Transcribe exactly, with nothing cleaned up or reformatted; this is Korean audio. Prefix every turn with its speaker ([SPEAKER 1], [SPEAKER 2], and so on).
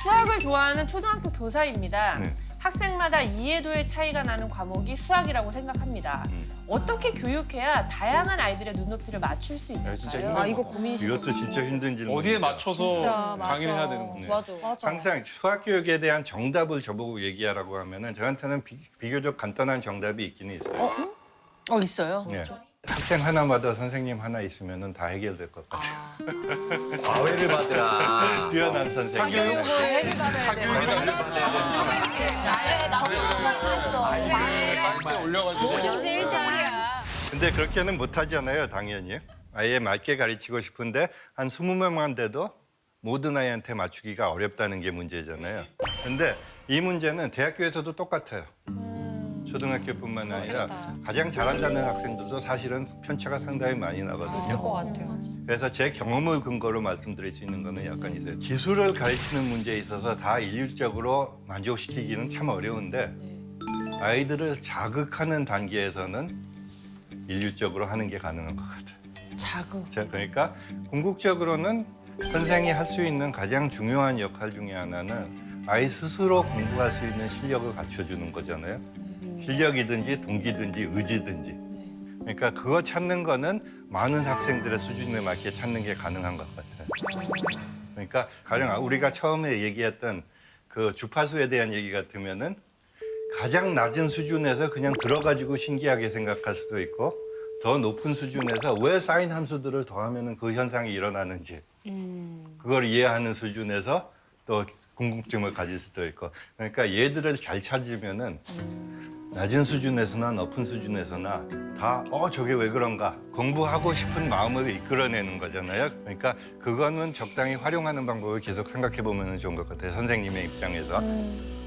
[SPEAKER 1] 수학을 좋아하는 초등학교 교사입니다.
[SPEAKER 2] 네.
[SPEAKER 1] 학생마다 이해도의 차이가 나는 과목이 수학이라고 생각합니다.
[SPEAKER 2] 음.
[SPEAKER 1] 어떻게 교육해야 다양한 아이들의 눈높이를 맞출 수
[SPEAKER 3] 진짜
[SPEAKER 1] 있을까요?
[SPEAKER 3] 힘든
[SPEAKER 4] 아 이거 고민이시죠.
[SPEAKER 2] 이것도 진짜 힘든 질문.
[SPEAKER 3] 어디에 맞춰서
[SPEAKER 4] 진짜, 맞아.
[SPEAKER 3] 강의를 해야 되는 거예요.
[SPEAKER 4] 맞아.
[SPEAKER 1] 맞아.
[SPEAKER 2] 항상 수학 교육에 대한 정답을 저보고 얘기하라고 하면은 저한테는 비, 비교적 간단한 정답이 있기는 있어요.
[SPEAKER 1] 어, 있어요.
[SPEAKER 2] 예. 학생 하나마다 선생님 하나 있으면은 다 해결될 것 같아요.
[SPEAKER 5] 과외를 받으라.
[SPEAKER 2] 뛰어난 선생님.
[SPEAKER 1] 해를 받아야 돼요.
[SPEAKER 4] 네, 나도 수학자도 했어.
[SPEAKER 3] 사이트에 올려가지고
[SPEAKER 1] 뭐든지 일대일이야.
[SPEAKER 2] 근데 그렇게는 못하잖아요, 당연히. 아예 맞게 가르치고 싶은데 한 스무 명만 돼도 모든 아이한테 맞추기가 어렵다는 게 문제잖아요. 근데 이 문제는 대학교에서도 똑같아요. 초등학교뿐만 아니라 가장 잘한다는 학생들도 사실은 편차가 상당히 많이
[SPEAKER 4] 있을
[SPEAKER 2] 나거든요.
[SPEAKER 4] 것 같아요.
[SPEAKER 2] 그래서 제 경험을 근거로 말씀드릴 수 있는 거는 약간 있어요. 기술을 가르치는 문제에 있어서 다 일률적으로 만족시키기는 참 어려운데 아이들을 자극하는 단계에서는 일률적으로 하는 게 가능한 것 같아요.
[SPEAKER 1] 자극.
[SPEAKER 2] 자, 그러니까 궁극적으로는 선생이 할 수 있는 가장 중요한 역할 중에 하나는 아이 스스로 공부할 수 있는 실력을 갖춰주는 거잖아요. 실력이든지 동기든지 의지든지. 그러니까 그거 찾는 거는 많은 학생들의 수준에 맞게 찾는 게 가능한 것 같아요. 그러니까 가령 우리가 처음에 얘기했던 그 주파수에 대한 얘기 같으면은 가장 낮은 수준에서 그냥 들어가지고 신기하게 생각할 수도 있고 더 높은 수준에서 왜 사인 함수들을 더하면 그 현상이 일어나는지 그걸 이해하는 수준에서 또 궁금증을 가질 수도 있고 그러니까 얘들을 잘 찾으면은 낮은 수준에서나 높은 수준에서나 다 어 저게 왜 그런가 공부하고 싶은 마음을 이끌어내는 거잖아요. 그러니까 그거는 적당히 활용하는 방법을 계속 생각해 보면 좋은 것 같아요. 선생님의 입장에서.